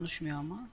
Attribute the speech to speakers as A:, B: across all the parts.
A: Konuşmuyor ama.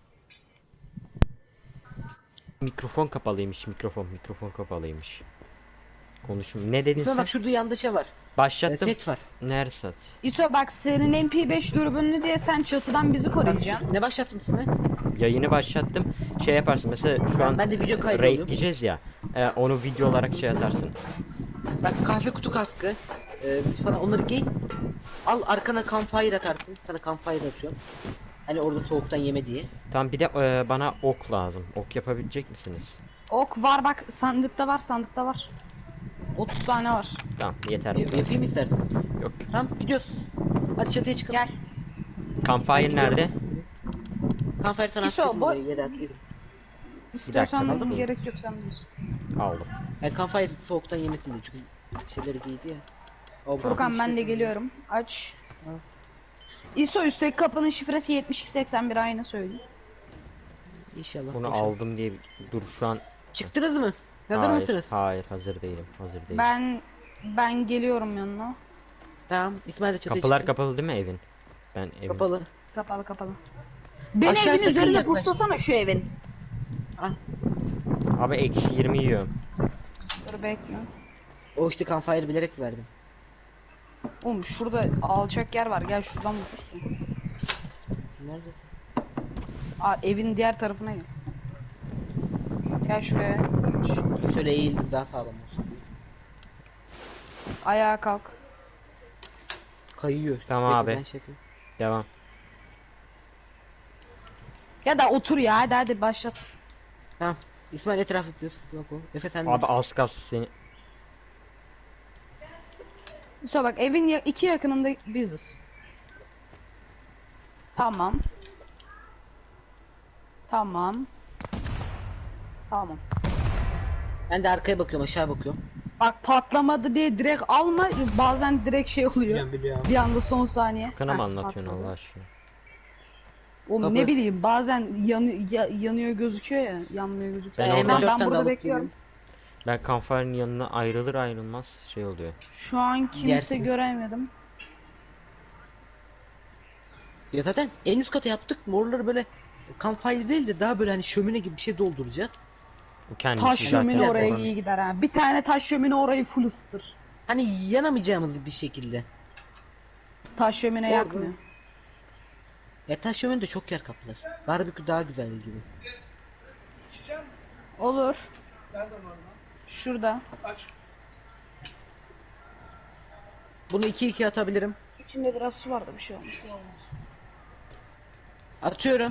B: Mikrofon kapalıymış. Mikrofon kapalıymış. Konuşum. Ne dedin
C: İsmail
B: sen?
C: bak şurada yanında şey var.
B: Başlattım.
C: Set var.
B: Nerede sat?
A: İso bak senin MP5 dürbünlü diye sen çatıdan bizi
C: Bak
A: koruyacaksın.
C: ne başlattın İsmail?
B: Yayını başlattım. Şey yaparsın. Mesela şu an
C: Ben de video kaydı
B: raid
C: alıyorum.
B: diyeceğiz ya. Onu video olarak şey atarsın.
C: Bak kahve kutu kaskı. Falan onları giy. Al arkana campfire atarsın. Sana campfire atıyorum. Hani orada soğuktan yeme diye.
B: Tamam bir de bana ok lazım. Ok yapabilecek misiniz?
A: Ok var bak sandıkta var. 30 tane var.
B: Tamam yeter bu kadar.
C: Yapayım istersen.
B: Yok.
C: Tamam gidiyoruz. Hadi çatıya çıkalım.
A: Gel.
B: Campfire nerede?
C: Campfire sana
A: İso,
C: attıydım
A: boy-
C: buraya yere attıydım.
A: İstiyorsan
B: aldın
C: mı?
A: gerek yok sen bilirsin.
B: Aldım.
C: Yani campfire soğuktan yemesin diye çünkü şeyleri giydi ya. O
A: Furkan ben de geliyorum. Aç. İso üstteki kapının şifresi 7281 aynı söyleyeyim.
C: İnşallah.
B: Bunu
C: boşalt.
B: aldım diye dur şu an.
C: Çıktınız mı? Hazır
B: Hayır,
C: mısınız?
B: hayır hazır değilim. Hazır değilim.
A: Ben geliyorum yanına.
C: Tamam. İsmail de çatıya
B: Kapılar
C: çıksın.
B: kapalı değil mi evin? Ben evin.
C: Kapalı.
A: Kapalı. Beni
C: Aşağı
A: evin
C: sakın
A: üzerine
C: yaklaş.
A: puslasana şu evin.
C: Ah.
B: Abi eksi 20 yiyorum.
A: Dur bekle.
C: O işte campfire bilerek verdim.
A: Oğlum şurada alçak yer var. Gel şuradan mı pussun?
C: Nerede?
A: Evin diğer tarafına gel. Gel şuraya.
C: Şöyle eğildim daha sağlam olsun.
A: Ayağa kalk.
C: Kayıyor.
B: Tamam
C: Bekle,
B: abi.
C: ben şey yapayım.
B: Devam.
A: Ya da otur ya hadi başlat.
C: Tamam. İsmail etrafı dur. Yok o. Efe sen de.
B: Abi az kalsın seni.
A: İşte bak evin iki yakınında biziz. Tamam. Tamam. Tamam.
C: Ben de arkaya bakıyorum aşağı bakıyorum.
A: Bak patlamadı diye direkt alma. Bazen direkt şey oluyor.
C: Biliyorum.
A: Bir anda son saniye.
B: Kana mı
A: Heh,
B: anlatıyorsun
A: patladı.
B: Allah aşkına?
A: Oğlum
C: Kapı.
A: ne bileyim bazen yanıyor gözüküyor ya. Yanmıyor gözüküyor.
B: Ben
C: hemen
B: oradan-
C: 4
A: ben
C: tane de
A: burada
C: alıp
A: bekliyorum.
C: geliyorum.
B: Ben campfire'ın yanına ayrılır ayrılmaz şey oluyor.
A: Şu an kimse
C: Yersin.
A: göremedim.
C: Ya zaten en üst kata yaptık. Morları böyle campfire değil de daha böyle hani şömine gibi bir şey dolduracağız.
B: Bu kendisi
A: Taş
B: zaten.
A: şömine oraya
C: oranı.
A: iyi gider ha. Bir tane taş şömine orayı full ısıtır.
C: Hani yanamayacağımız bir şekilde.
A: Taş şömine
C: Orada.
A: yakmıyor.
C: Ya taş şömine de çok yer kaplar. Barbekü daha güzel gibi.
A: Olur. Şurada.
C: Bunu 2-2 atabilirim.
A: İçinde biraz su vardı bir şey olmaz.
C: Atıyorum.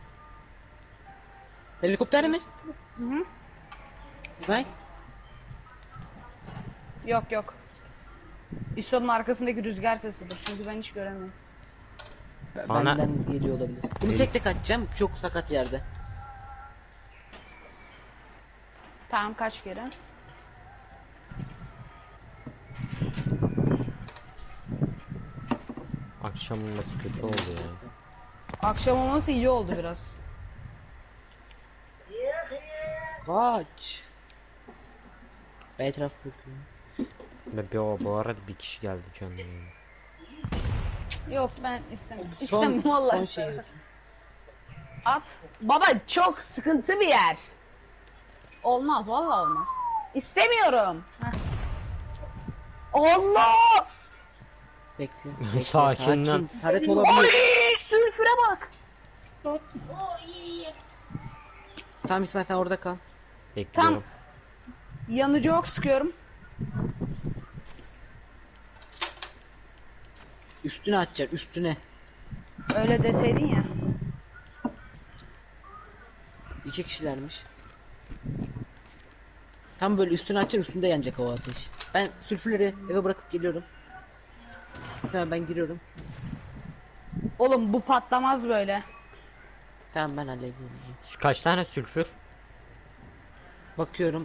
C: Helikopter mi?
A: Hı hı.
C: Vay.
A: Yok. İsonun arkasındaki rüzgar sesidir çünkü ben hiç göremiyorum.
B: Bana-
C: Benden geliyor olabilir. Bunu tek tek atacağım. Çok sakat yerde.
A: Tamam kaç kere?
B: Akşamın nasıl kötü oldu ya.
A: Akşam olması iyi oldu biraz.
C: Kaç. Ben etraf bakıyorum.
B: Ve bu arada bir kişi geldi canım. Yani.
A: Yok ben istemiyorum.
C: Son,
A: İstemiyorum vallahi.
C: son şey.
A: At. Baba çok sıkıntı bir yer. Olmaz vallahi olmaz. İstemiyorum. Heh. Allah!
C: Bekle.
B: Sakin lan.
C: Taret
A: Ay
C: olabilir.
A: sülfüre bak.
C: Tamam İsmail sen orada kal.
B: Bekliyorum.
A: Yanıcı ok sıkıyorum.
C: Üstüne atacak üstüne.
A: Öyle deseydin ya.
C: 2 kişilermiş. Tam böyle üstüne atacak üstünde yanacak o ateş. Ben sülfürleri eve bırakıp geliyorum. İsmail ben giriyorum.
A: Oğlum bu patlamaz böyle.
C: Tamam ben halledeyim.
B: Kaç tane sülfür?
C: Bakıyorum.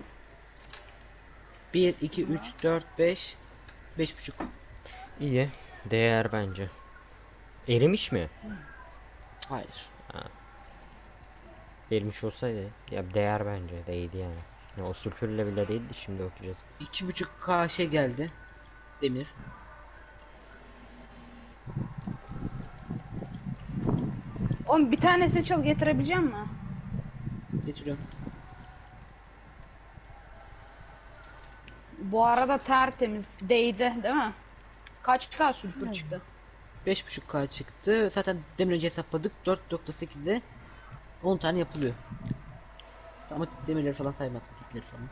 C: 1, 2, 3, 4, 5. 5,5.
B: İyi. Değer bence. Erimiş mi?
C: Hayır.
B: Erimiş olsaydı ya değer bence değdi yani. Ya o sülfürle bile değildi şimdi okuyacağız.
C: 2,5K şey geldi. Demir.
A: Oğlum bir tane seçil getirebilecek misin?
C: Getiriyorum.
A: Bu arada tertemiz değdi değil mi? Kaç K sülfür çıktı?
C: 5.5K çıktı. Zaten demir önce hesapladık. 4.8'e 10 tane yapılıyor. Ama demirleri falan saymazsak kitleri falan.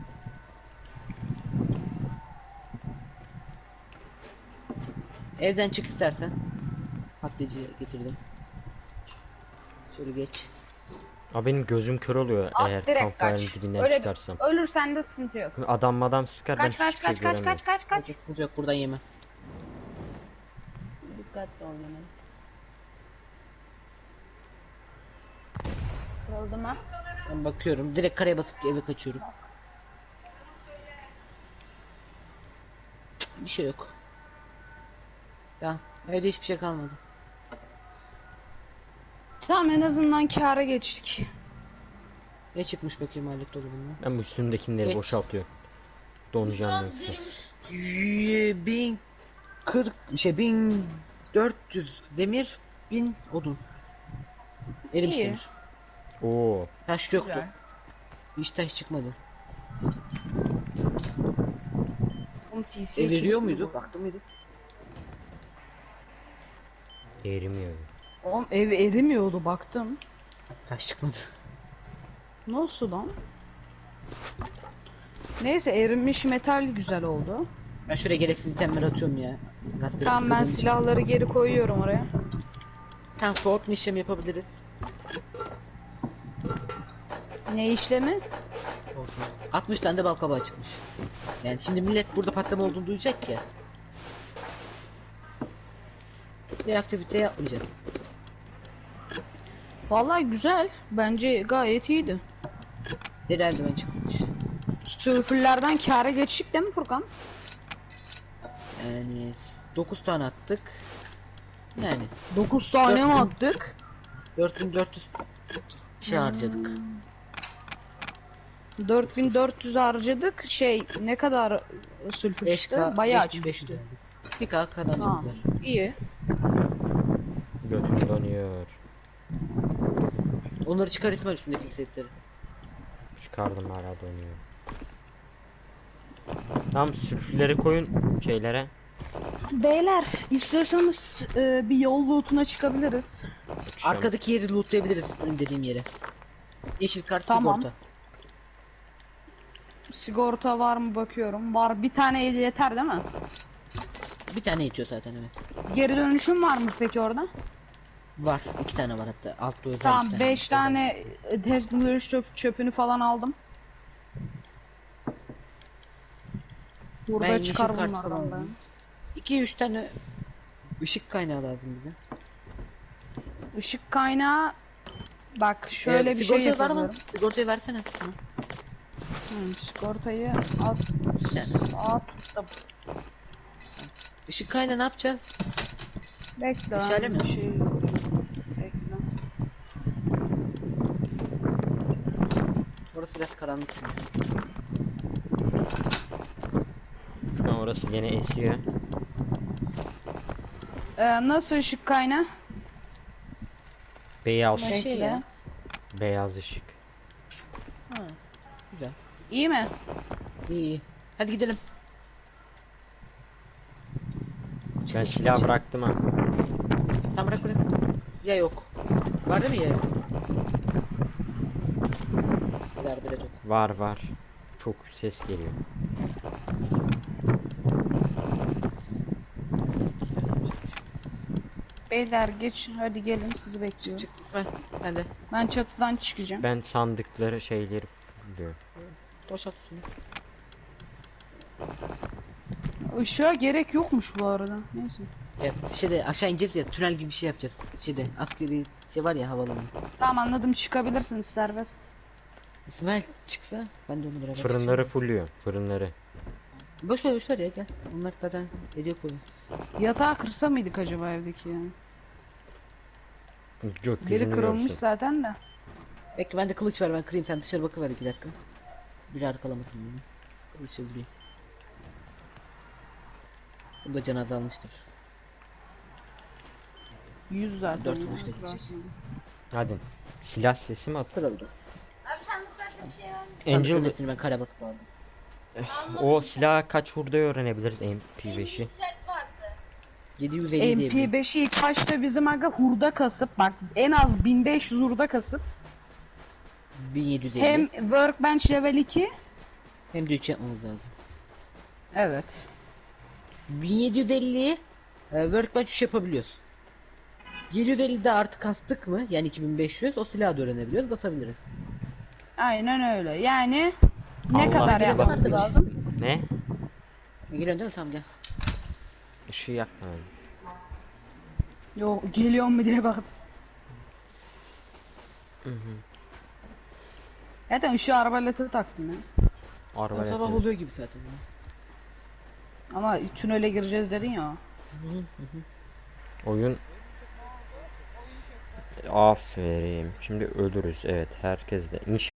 C: Evden çık istersen. Patlayıcı getirdim. Şöyle geç.
B: Abi benim gözüm kör oluyor
A: At
B: eğer
A: direkt
B: campfire'ın
A: kaç.
B: dibinden
A: Öyle
B: çıkarsam.
A: ölürsen de sıkıntı yok.
B: Adam sıkar ben
A: Kaç kaç
B: hiçbir şey
A: kaç kaç
B: göremiyorum.
A: kaç kaç kaç.
C: Bekle, sıkıntı yok, buradan yeme.
A: Dikkatli ol yine. Kırıldı mı?
C: Ben bakıyorum. Direkt karaya basıp eve kaçıyorum. Cık, bir şey yok. Ya evde hiçbir şey kalmadı.
A: Tamam en azından kâra geçtik.
C: Ne çıkmış bakayım alet dolabından?
B: Ben bu üstümdekileri
C: Geç.
B: boşaltıyorum. Donacağım yoksa.
C: 1040 şey 1400 demir, 1000 odun. Erimiş
A: İyi.
C: demir.
B: Oo.
C: Taş yoktu.
A: Güzel.
C: Hiç taş çıkmadı.
A: Oğlum TC
C: Veriyor
A: kim
C: muydu?
A: bu?
C: Baktın mıydı?
B: Erimiyor.
A: Oğlum ev erimiyordu baktım.
C: Taş çıkmadı.
A: Nasıl lan? Neyse erimiş metal güzel oldu.
C: Ben şuraya gereksiz itemler atıyorum ya. Rastgele
A: Tamam ben
C: tıkladığım için.
A: silahları geri koyuyorum oraya.
C: Tamam, soğutma işlemi yapabiliriz.
A: Ne işlemi?
C: Soğutma. 60 tane de bal kabağı çıkmış. Yani şimdi millet burada patlama olduğunu duyacak ya. Bir aktivite yapmayacağız.
A: Vallahi güzel. Bence gayet iyiydi.
C: Deri eldiven çıkmış.
A: Sülfürlerden kâra geçtik değil mi Furkan?
C: Yani 9 tane attık. Yani
A: 9 tane mi
C: 4000.
A: attık?
C: 4400 şey harcadık.
A: 4400 harcadık. Şey ne kadar sülfür
C: 5K,
A: çıktı? Bayağı
C: 5500
A: çıktı.
C: aldık. 1K kazancımız
A: Tamam.
C: var.
A: İyi.
B: Götüm donuyor.
C: Onları çıkar İsmail, üstündeki setleri.
B: Çıkardım hala donuyor. Tamam sülfürleri koyun şeylere.
A: Beyler istiyorsanız bir yol lootuna çıkabiliriz.
C: Arkadaki yeri lootlayabiliriz, benim dediğim yere. Yeşil kart
A: Tamam.
C: sigorta.
A: Sigorta var mı bakıyorum. Var, bir tane yeter değil mi?
C: Bir tane yetiyor zaten, evet.
A: Geri dönüşüm var mı peki orada?
C: Var. 2 tane var hatta. Altta özel
A: Tamam
C: bir tane.
A: 5 tane dönüş çöpünü falan aldım. Burada
C: Ben
A: çıkar
C: yeşil kart
A: bunlardan
C: falan
A: ben.
C: aldım. 2-3 tane ışık kaynağı lazım bize.
A: Işık kaynağı bak şöyle bir şey
C: sigortayı var mı?
A: yapıyorum.
C: Sigortayı versene.
A: Sigortayı at attım.
C: Işık kaynağı ne yapacağız?
A: Bekle.
C: İşare mi?
A: bir şey. Bekle.
C: Orası biraz karanlık.
B: Şu an orası yine esiyor.
A: Nasıl ışık kaynağı?
B: Beyaz,
C: Şey
A: Bekle.
C: ya.
B: beyaz ışık.
C: Ha, güzel.
A: İyi mi?
C: İyi iyi. Hadi gidelim.
B: Ben silah bıraktım ha.
C: Tam bırak bırak. Ya yok. Var değil mi ya yok? Ver böyle yok.
B: Var. Çok ses geliyor.
A: Beyler geç hadi gelin sizi bekliyorum.
C: Çık İsmail. Ben de.
A: Ben çatıdan çıkacağım.
B: Ben sandıkları şeyleri buluyorum.
C: Boşalt şunu.
A: Işığa gerek yokmuş bu arada. Neyse.
C: Ya şeyde aşağı ineceğiz ya, tünel gibi bir şey yapacağız. Şeyde askeri şey var ya, havaalanı.
A: Tamam anladım, çıkabilirsiniz serbest.
C: İsmail çıksa ben de onu beraber
B: Fırınları fulluyor. Fırınları.
C: çıksam. Boş ver ya, gel. Onlar zaten ediyor koyuyor.
A: Yatağı kırsa mıydık acaba evdeki yani? Biri
B: Gökyüzünü
A: kırılmış
B: görsün.
A: zaten de.
C: Bekle, ben de kılıç ver, ben kırayım, sen dışarı bakıver 2 dakika. Biri arkalamasın beni. Kılıçla vurayım. Bu da can azalmıştır.
A: 100 zaten.
C: 4
A: ya,
C: vuruşta gidecek.
A: kırarsın.
B: Hadi. Silah sesi mi attı?
C: Kırıldı.
D: Abi sandıklarda bir şey var mı?
C: Angel...
B: Angel
C: hepsini ben kare basıp aldım.
B: o silah kaç vurduğu öğrenebiliriz MP5'i.
D: Set vardı.
C: 750 diyebilirim.
A: MP5'i ilk başta bizim aga hurda kasıp bak en az 1500 hurda kasıp
C: 1750.
A: hem workbench level 2
C: Hem de 3 yapmamız lazım.
A: evet
C: 1750'yi workbench 3 yapabiliyoruz. 750'de artık kastık mı? Yani 2500 o silahı da öğrenebiliyoruz, basabiliriz.
A: aynen öyle yani ne
B: Allah
A: kadar
C: Allah.
A: yapmamız
C: Allah.
A: lazım?
B: Ne?
C: Geliyorsun değil mi? Tamam gel.
B: Işığı yakma.
A: Yo geliyor mu diye bak. Zaten ışığı arbalete taktım ya.
B: Arbalet.
C: Sabah oluyor gibi zaten. Ya.
A: Ama tünele gireceğiz dedin ya.
B: Oyun. Aferin. Şimdi ölürüz. Evet, herkes de.